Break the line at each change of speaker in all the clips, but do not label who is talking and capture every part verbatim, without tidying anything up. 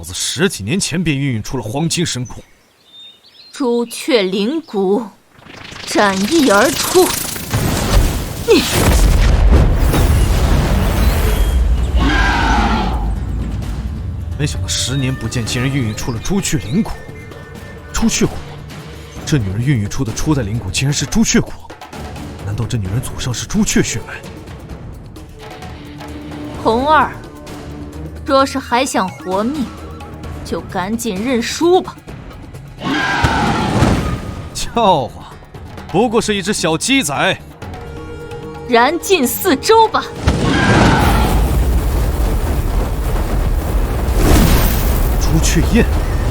子十几年前便孕育出了黄金神骨。
朱雀灵骨，斩翼而出。你，
没想到十年不见，竟然孕育出了朱雀灵骨。朱雀骨，这女人孕育出的初代灵骨竟然是朱雀骨。难道这女人祖上是朱雀血脉？
红儿，若是还想活命，就赶紧认输吧。
笑话，不过是一只小鸡仔。
燃尽四周吧！
朱雀焰，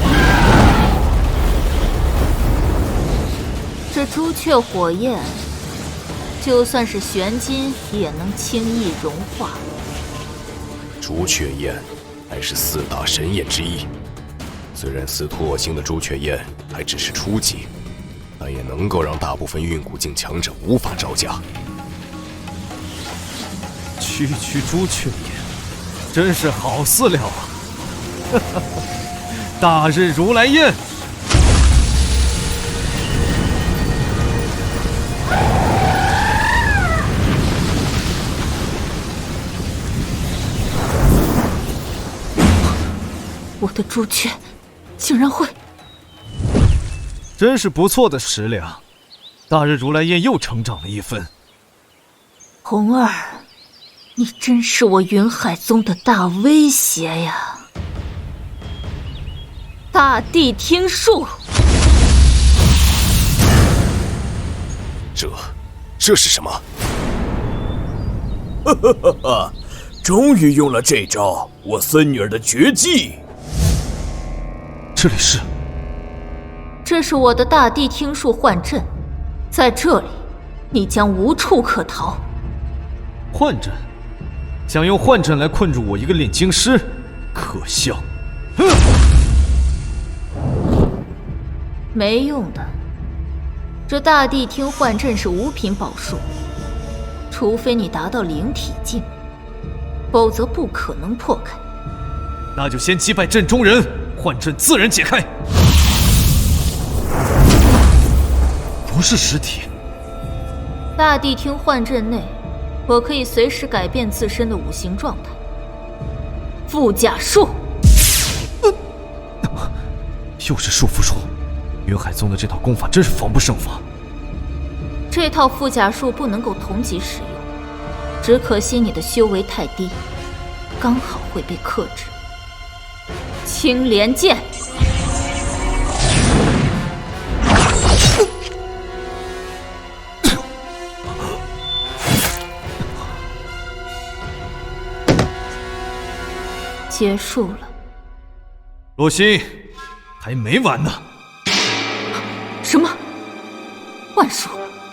这朱雀火焰，就算是玄金也能轻易融化。
朱雀焰乃是四大神焰之一，虽然司徒我星的朱雀焰还只是初级，但也能够让大部分运骨境强者无法招架。
区区朱雀焰，真是好饲料啊！哈哈，大日如来焰。
我的朱雀竟然会，
真是不错的食粮，大日如来焰又成长了一分。
红儿，你真是我云海宗的大威胁呀！大地听术，
这，这是什么？
哈哈哈哈！终于用了这招，我孙女儿的绝技。
这里是，
这是我的大地听术幻阵，在这里，你将无处可逃。
幻阵，想用幻阵来困住我一个炼精师，可笑！哼，
没用的。这大地听幻阵是五品宝术，除非你达到灵体境，否则不可能破开。
那就先击败阵中人，幻阵自然解开。不是实体。
大地听幻阵内，我可以随时改变自身的五行状态。附甲术，
呃、又是束缚术。云海宗的这套功法真是防不胜防。
这套附甲术不能够同级使用，只可惜你的修为太低，刚好会被克制。青莲剑，结束了。
洛心，还没完呢。
什么？幻术？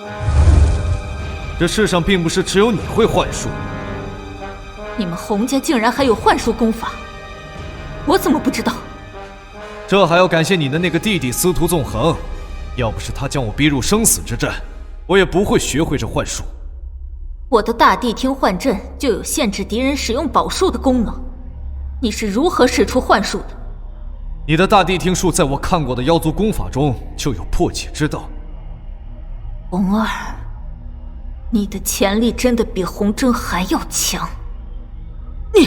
这世上并不是只有你会幻术。
你们洪家竟然还有幻术功法，我怎么不知道？
这还要感谢你的那个弟弟司徒纵横，要不是他将我逼入生死之战，我也不会学会这幻术。
我的大地听幻阵就有限制敌人使用宝术的功能，你是如何使出幻术的？
你的大地听术在我看过的妖族功法中就有破解之道。
红儿，你的潜力真的比红针还要强。你，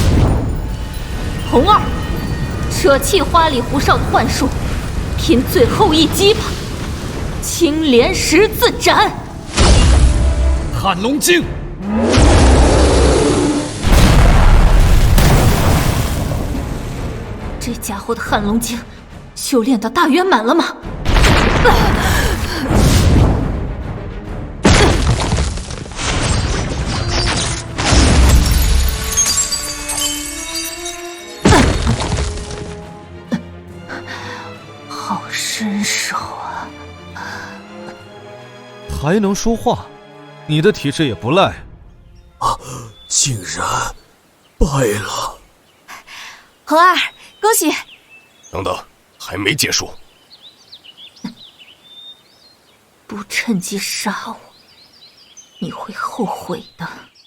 红儿，舍弃花里胡哨的幻术，拼最后一击吧！青莲十字斩，
撼龙经。
这家伙的撼龙经修炼到大圆满了吗？好身手啊！
还能说话，你的体质也不赖。
啊，竟然败了！
恒儿，恭喜！
等等，还没结束。
不趁机杀我，你会后悔的。